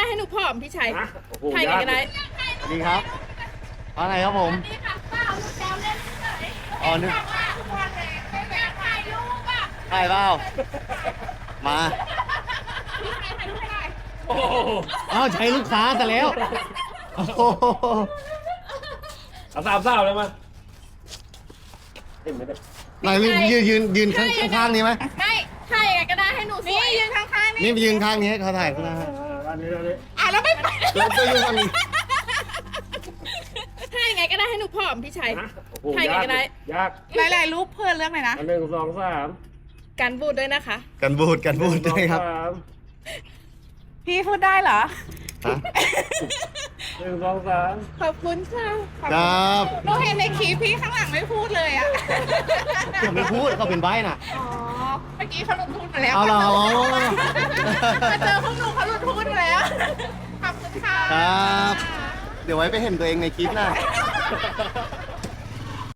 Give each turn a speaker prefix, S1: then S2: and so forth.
S1: ให้หนูผอมพี่ชัย
S2: ฮะโอ้โห
S1: ถ่ายกันก็ได้
S3: สวัสดีครับว่าไงครับผม
S1: นี่ค่ะเปล่าลูกแซวเล่นเฉย
S3: อ๋อนึก
S1: ว่าทุกวันเลยไม่แบ่งถ่ายรูปอ่ะ
S3: ถ่ายเปล่ามา
S1: พี่ชัยถ่ายรูปให้หน่อย
S2: โอ้โห
S3: อ้าวใช้ลูกค้าแต่แล้วโอ้โห
S2: เอาสามสาวเลยมาเห็นไหมเนี่ย
S3: ไหนยืนข้างๆนี้ไหม
S1: ไม่ถ่ายยังไงก็ได้ให้หนูสวยยืนข้างๆ
S3: นี่ไปยืนข้างนี้เขาถ่ายข้างหน้า
S2: อันนี้
S1: แล้วไม่ไป
S3: แล้วก็ยืนข้างนี้
S1: ถ่ายยังไงก็ได้ให้หนูผอมพี่ชัย
S2: ฮะโอ้โห
S1: ถ่ายกันก็ได้
S2: ยาก
S4: หลายๆรูปเพื่อนเรื่องไหนนะ
S2: อันหนึ่งสองสาม
S1: กันบูดด้วยนะคะ
S3: กันบูดด้วยครับ
S2: สาม
S4: พี่พูดได้เหรอ
S3: ฮะ
S2: หนึ่งสองสาม
S1: ขอบคุณค่ะ
S3: ครับ
S4: เราเห็นในคลิปพี่ข้างหลังไม่พูดเลยอ่ะ
S3: ผมไม่พูดเขาเป็นใบน่ะ
S4: อ๋อ เมื่อกี้เขาหลุดพูดมาแล้ว
S3: เอาเหรอ
S4: มาเจอพวกหนูเขาหลุดพูดมาแล้ว ขอบคุณค่ะ
S3: ครับ เดี๋ยวไว้ไปเห็นตัวเองในคลิปหน้า